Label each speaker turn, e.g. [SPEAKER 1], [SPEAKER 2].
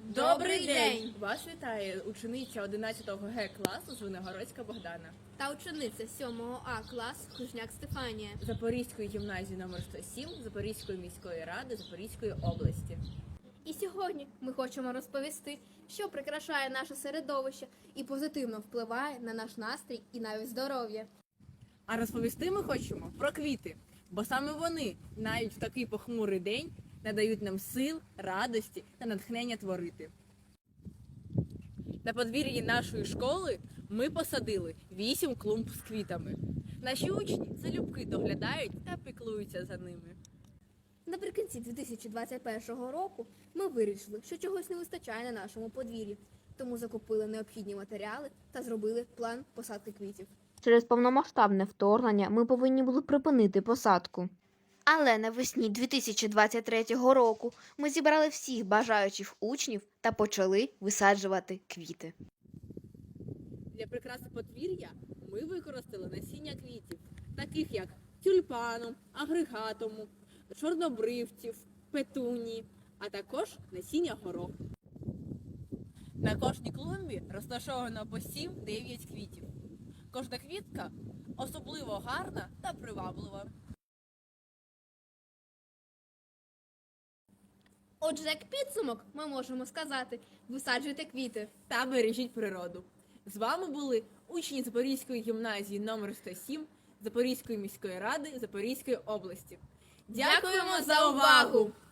[SPEAKER 1] Добрий день!
[SPEAKER 2] Вас вітає учениця 11 Г класу Звенигородська Богдана
[SPEAKER 1] Та учениця 7 А класу Хужняк Стефанія.
[SPEAKER 2] Запорізької гімназії номер 107 Запорізької міської ради Запорізької області.
[SPEAKER 1] І сьогодні ми хочемо розповісти, що прикрашає наше середовище і позитивно впливає на наш настрій і навіть здоров'я.
[SPEAKER 2] А розповісти ми хочемо про квіти, бо саме вони навіть в такий похмурий день надають нам сил, радості та натхнення творити. На подвір'ї нашої школи ми посадили 8 клумб з квітами. Наші учні залюбки доглядають та піклуються за ними.
[SPEAKER 1] Наприкінці 2021 року ми вирішили, що чогось не вистачає на нашому подвір'ї, тому закупили необхідні матеріали та зробили план посадки квітів.
[SPEAKER 3] Через повномасштабне вторгнення ми повинні були припинити посадку. Але навесні 2023 року ми зібрали всіх бажаючих учнів та почали висаджувати квіти.
[SPEAKER 2] Для прикраси подвір'я ми використали насіння квітів, таких як тюльпану, агрегатуму, чорнобривців, петунії, а також насіння гороху. На кожній клумбі розташовано по 7-9 квітів. Кожна квітка особливо гарна та приваблива.
[SPEAKER 1] Отже, як підсумок, ми можемо сказати, висаджуйте квіти.
[SPEAKER 2] Та бережіть природу. З вами були учні Запорізької гімназії номер 107 Запорізької міської ради Запорізької області. Дякуємо за увагу!